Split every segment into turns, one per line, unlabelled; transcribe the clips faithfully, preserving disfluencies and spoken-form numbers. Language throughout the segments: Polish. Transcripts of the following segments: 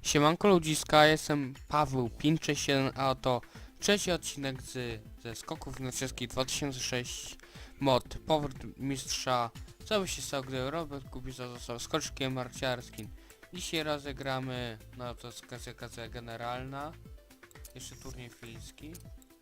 Siemanko ludziska, jestem Paweł pięć sześć jeden, a oto trzeci odcinek z, ze skoków narciarskich dwa tysiące sześć mod Powrót Mistrza. Co by się stało, gdy Robert Kubica został skoczkiem narciarskim? Dzisiaj rozegramy, no to jest klasyfikacja generalna, jeszcze turniej fiński.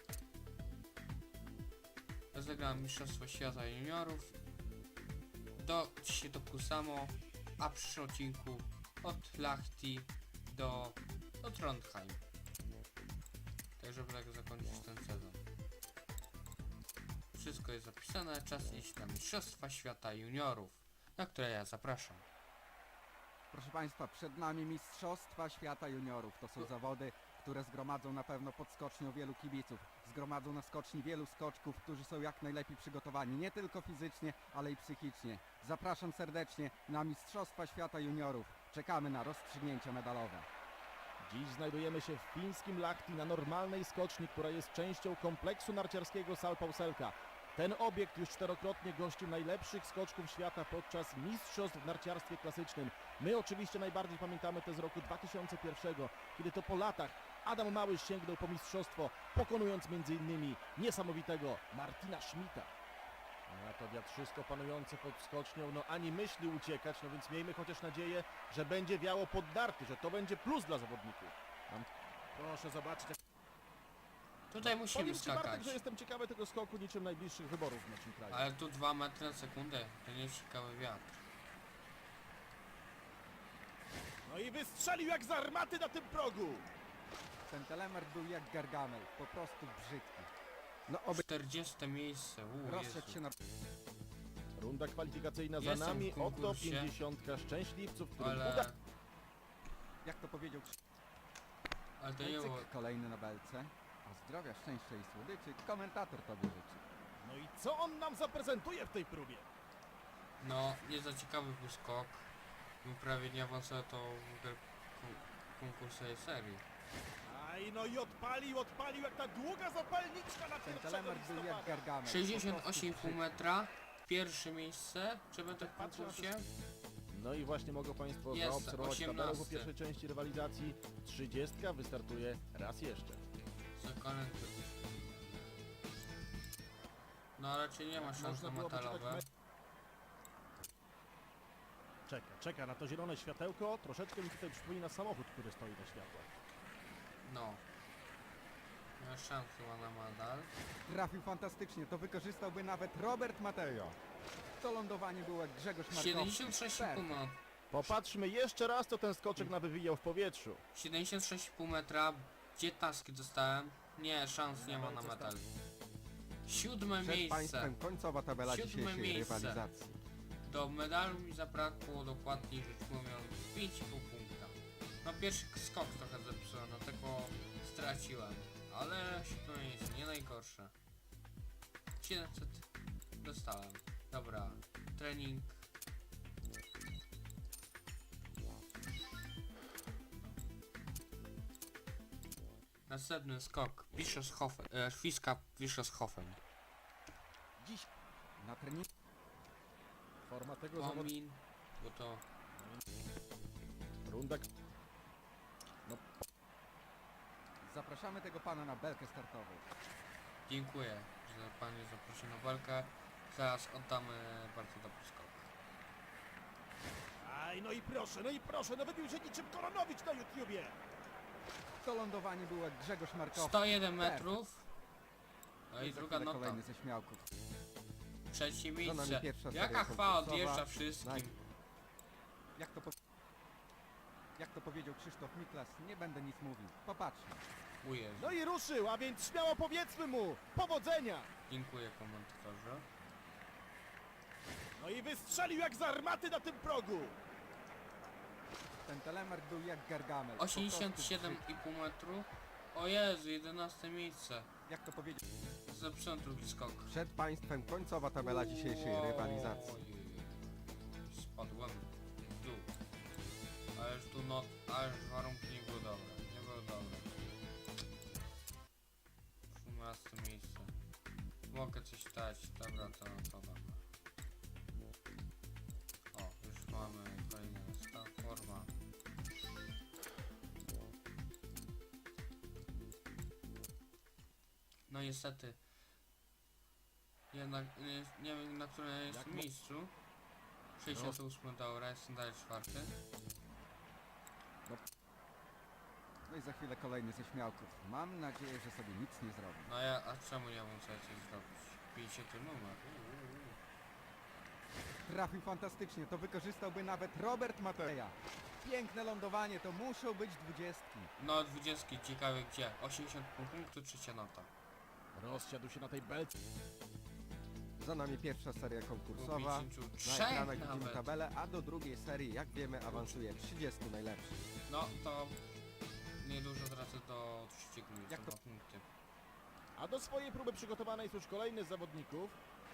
Rozegramy Mistrzostwo Świata Juniorów, do, dzisiaj do Kusamo, a w przyszłym odcinku od Lahti do, do Trondheim. Tak, żeby tak zakończyć ten sezon. Wszystko jest zapisane, czas iść na Mistrzostwa Świata Juniorów, na które ja zapraszam.
Proszę Państwa, przed nami Mistrzostwa Świata Juniorów. To są zawody, które zgromadzą na pewno pod skocznią wielu kibiców. Zgromadzą na skoczni wielu skoczków, którzy są jak najlepiej przygotowani, nie tylko fizycznie, ale i psychicznie. Zapraszam serdecznie na Mistrzostwa Świata Juniorów. Czekamy na rozstrzygnięcia medalowe.
Dziś znajdujemy się w fińskim Lahti na normalnej skoczni, która jest częścią kompleksu narciarskiego Salpausselka. Ten obiekt już czterokrotnie gościł najlepszych skoczków świata podczas mistrzostw w narciarstwie klasycznym. My oczywiście najbardziej pamiętamy te z roku dwa tysiące pierwszego, kiedy to po latach Adam Małysz sięgnął po mistrzostwo, pokonując m.in. niesamowitego Martina Schmidta. A to wiatrzysko panujące pod skocznią, no ani myśli uciekać, no więc miejmy chociaż nadzieję, że będzie wiało pod narty, że to będzie plus dla zawodników. Mam... Proszę zobaczyć, jak...
Tutaj musimy
Powiem Ci, Bartek,
skakać,
że jestem ciekawy tego skoku niczym najbliższych wyborów w naszym kraju.
ale tu dwa metry na sekundę, to nie jest ciekawy wiatr.
No i wystrzelił jak z armaty na tym progu!
Ten telemark był jak Gargamel, po prostu brzydki. No oby
czterdzieste miejsce, uuu,
rozszedł
Jezu.
się na...
Runda kwalifikacyjna za
Jestem
nami,
w
oto
konkursie,
pięćdziesiątka szczęśliwców, którym
Ale,
uda...
Jak to powiedział
ale to nie było.
Krzysztof, kolejny na belce. A zdrowia, szczęścia i słodyczy komentator tobie życzy.
No i co on nam zaprezentuje w tej próbie?
No, nie za ciekawy był skok. Był prawie nie awansował to w ogóle kon- konkursowej serii.
Aj, no i odpalił, odpalił jak ta długa zapalniczka na
Ten
pierwszego
telemark był jak
listopada.
Gargamel. po
sześćdziesiąt osiem i pół
prostu
metra, pierwsze miejsce, czy będę w
Patrzę na
konkursie?
No i właśnie mogą Państwo
Jest,
zaobserwować tabelę po
osiemnasty.
pierwszej części rywalizacji. trzydziestka wystartuje raz jeszcze.
Zakonem No raczej nie ma szans
Można
na
było poczytać
metalowe.
me- Czeka, czeka na to zielone światełko. Troszeczkę mi tutaj przypomina samochód, który stoi na światłach.
No. Nie ma szans chyba na medal.
Trafił fantastycznie, to wykorzystałby nawet Robert Mateo. To lądowanie było jak Grzegorz Markowski.
siedemdziesiąt sześć i pół
Perfekt.
metra.
Popatrzmy jeszcze raz, co ten skoczek nawywijał w powietrzu.
siedemdziesiąt sześć i pół metra. Gdzie taski dostałem? Nie, szans nie ma na medal. Siódme
Przed
miejsce.
Państwem końcowa tabela
Siódme
dzisiejszej
miejsce.
rywalizacji.
Do medalu mi zabrakło, dokładniej rzecz mówiąc, pięć i pół punkta. No pierwszy skok trochę zepsułem, dlatego straciłem. Ale siódme miejsce, nie najgorsze. siedemset dostałem. Dobra, trening. Następny skok, Bischofshofen, e, Fiska Bischofshofen.
Dziś na treningu
Forma tego zawodnika.
Pomin, bo to
Runda... No,
zapraszamy tego pana na belkę startową.
dziękuję, że pan mnie zaprosił na walkę. Teraz oddamy bardzo dobry skok.
aj, no i proszę, no i proszę, no wybił się niczym Koronowicz na YouTubie.
To lądowanie było jak Grzegorz Markowski.
sto jeden metrów. No i
Za
druga
chwilę
nota.
kolejny ze śmiałków.
Trzecie
nami
miejsce.
pierwsza seria
Jaka chwała
konkursowa.
odjeżdża wszystkim.
Daj. Jak to, po... Jak to powiedział Krzysztof Miklas, nie będę nic mówił. Popatrzmy.
Ujeżdża.
No i ruszył, a więc śmiało powiedzmy mu, powodzenia.
Dziękuję komentatorze.
No i wystrzelił jak z armaty na tym progu.
Ten telemark był jak Gargamel. po
osiemdziesiąt siedem
prostu
i pół metru. O Jezu, jedenaste miejsce.
brzydki. Jak to powiedział?
Zepsułem drugi skok.
Przed Państwem końcowa tabela dzisiejszej
Wow.
rywalizacji.
Spadłem w dół. Ależ tu not, ależ warunki nie były dobre. Nie były dobre. osiemnaste miejsce. Mogę coś dać. Dobra, to, to dobra. O, już mamy kolejny stan, forma. No niestety. Jednak nie, nie wiem na którym jest
Jak mo-
miejscu. sześćdziesiąt osiem dobra, jestem dalej czwarty.
No i za chwilę kolejny ze śmiałków. Mam nadzieję, że sobie nic nie zrobi.
No ja, a czemu nie mam sobie coś zrobić? pięćdziesiąty numer. Uuu.
Trafił fantastycznie, to wykorzystałby nawet Robert Mateja. Piękne lądowanie, to muszą być dwudziestki.
No dwudziestki, ciekawe gdzie? osiemdziesiąt punktów, trzecia nota.
Rozsiadł się na tej belce.
Za nami pierwsza seria konkursowa. Na
pięćdziesiąt trzy
ekranach widzimy
nawet.
tabelę, a do drugiej serii, jak wiemy, awansuje trzydziestu najlepszych.
No to niedużo tracę do trzeciego miejsca,
Jak to-
dwa punkty.
A do swojej próby przygotowany jest już kolejny z zawodników.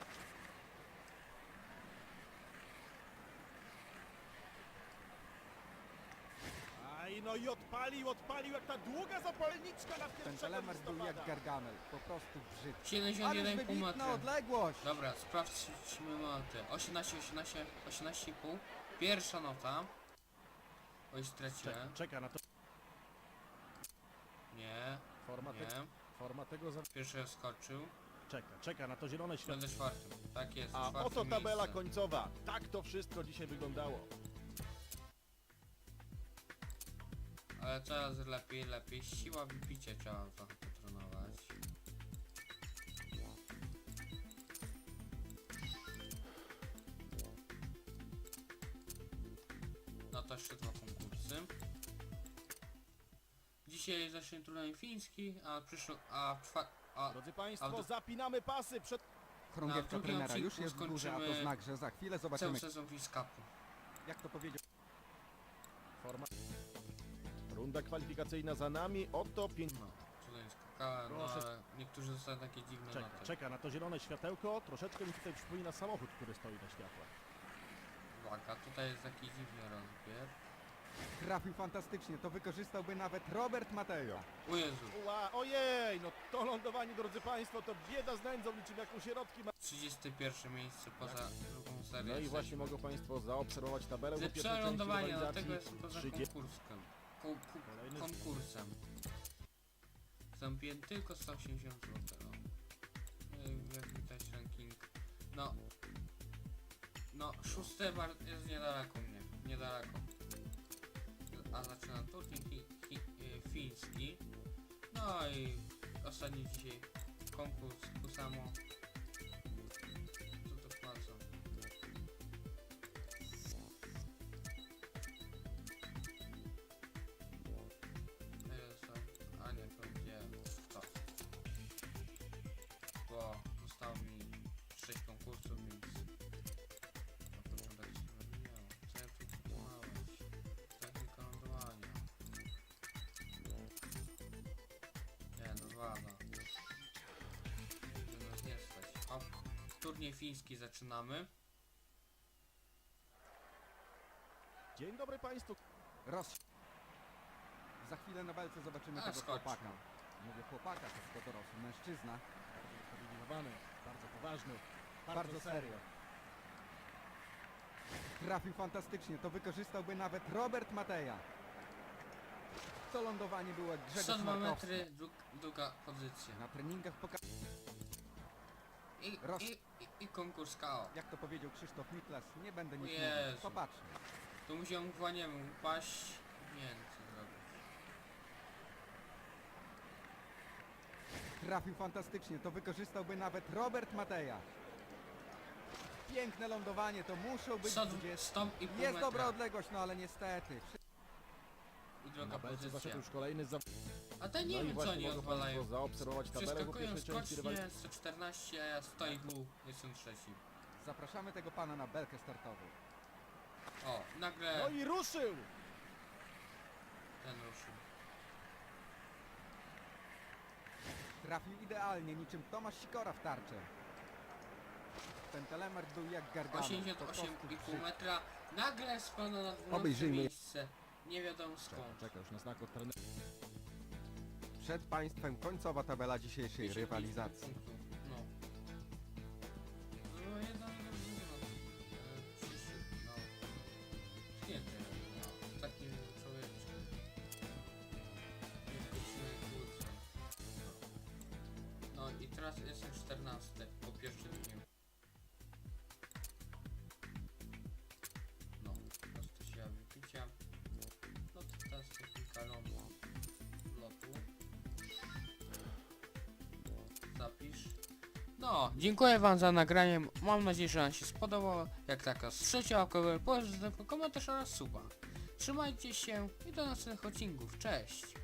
Aj, no i odpalił, odpalił jak ta długa zapalniczka na
Ten
pierwszego
telemark był jak
listopada.
Gargamel, po prostu brzydki.
siedemdziesiąt
Ależ
jeden pół
wybitna
metra.
odległość!
Dobra, sprawdźmy noty. osiemnaście, osiemnaście, osiemnaście i pół. Pierwsza nota. Oj, straciłem.
Czeka, czeka na to.
Nie,
Forma, te,
nie.
forma tego za...
Pierwszy skoczył.
Czeka, czeka na to zielone światło.
Będę czwartym. Tak jest,
A
czwarte
oto tabela
miejsce.
końcowa. Tak to wszystko dzisiaj wyglądało.
Ale coraz lepiej, lepiej. Siła wypicia trzeba trochę potrenować. No to jeszcze dwa konkursy. Dzisiaj zacznie turniej fiński, a przyszło, a czwa, a
Drodzy Państwo,
a w-
zapinamy pasy przed...
Chorągiewka
drugim
trenera już
odcinku
jest w górze, a to
skończymy
znak, że za chwilę
cały
zobaczymy,
sezon Fish Cupu.
jak to powiedział.
Forma... Runda kwalifikacyjna za nami. Oto pięć...
No, tutaj skakałem, no
Proszę.
ale niektórzy dostają takie dziwne
Czeka,
noty.
czeka na to zielone światełko. Troszeczkę mi tutaj przypomina samochód, który stoi na światłach.
Uwaga, tutaj jest taki dziwny rozbier.
Trafił fantastycznie, to wykorzystałby nawet Robert Matejo.
O Jezu,
Ła, ojej, no to lądowanie, drodzy Państwo, to bieda z nędzą, niczym jak u sierotki ma...
trzydzieste pierwsze miejsce poza drugą serią.
No i właśnie mogą Państwo zaobserwować tabelę.
Ze
po pierwszej części
przelądowania,
rywalizacji.
dlatego jestem poza
trzydzieści
konkursem. Ko ku
Kolejny-
konkursem. Zamówiłem tylko sto osiemdziesiąt złotych. No. No, jak widać ranking. No. No, szóste bar- jest niedaleko mnie. Niedaleko. A zaczynam turniej fi fi y, fiński. No i ostatni dzisiaj konkurs tu samo. Co to płacą? Jest to, a nie, to gdzie to? Bo zostało mi sześć konkursów, więc no to tak się wymieniało. Co ja tu wykonałeś? Technika lądowania. Nie, no wala. Że nas nie stać. Hop. Turniej fiński zaczynamy.
Dzień dobry Państwu.
Roz... Za chwilę na belce zobaczymy
A,
tego
skoczmy.
chłopaka. Mówię chłopaka, to to dorosły mężczyzna.
Usprawiedliwiony, bardzo poważny,
Bardzo serio. Trafił fantastycznie, to wykorzystałby nawet Robert Mateja. To lądowanie było jak Grzegorz
sto dwa
Markowski.
metry, dru druga pozycja.
Na treningach pokazał,
I,
Roz-
i, i, i konkurs K O.
jak to powiedział Krzysztof Niklas, nie będę nic
Jezu.
mówił. Popatrzmy.
Tu musiałem właniemy upaść. Nie wiem co zrobić.
Trafił fantastycznie, to wykorzystałby nawet Robert Mateja. Piękne lądowanie, to muszą być
sto
dwudziestki.
sto i pół
Jest
metra.
dobra odległość, no ale niestety.
I
Na
druga
belce
pozycja.
zaszedł już kolejny za...
A te
No
nie
i
wiem co
właśnie
oni
mogą
odwalają.
Państwo zaobserwować tabelę po
Przeskakują
pierwszej części rywalizacji.
skocznie sto czternaście, a ja sto i pół. Jestem trzeci.
Zapraszamy tego pana na belkę startową.
O, nagle
No i ruszył!
ten ruszył.
Trafił idealnie, niczym Tomasz Sikora w tarczę. Ten telemark był jak gargamel.
osiemdziesiąt
po
osiem
prostu
i pół
brzydki.
metra. Nagle spada na dwunastym
Obejrzyjmy.
miejsce. Nie wiadomo
Czeka,
skąd.
czeka już na znak od trenera.
Przed państwem końcowa tabela dzisiejszej
pięćdziesiąt pięć
rywalizacji.
punktów. No. No jedna no, trzydzieści, no. Świetnie, no. Takim człowieczkiem. Nie wchodzimy kurczę. No. No teraz jestem czternasty po pierwszym dniu. No, prosto siła wypicia. No to teraz technika lotu. lotu. Zapisz. No, dziękuję wam za nagranie. Mam nadzieję, że wam się spodobało. Jak taka z trzeciego łapkę, komentarz oraz suba. Trzymajcie się i do następnych odcinków. Cześć!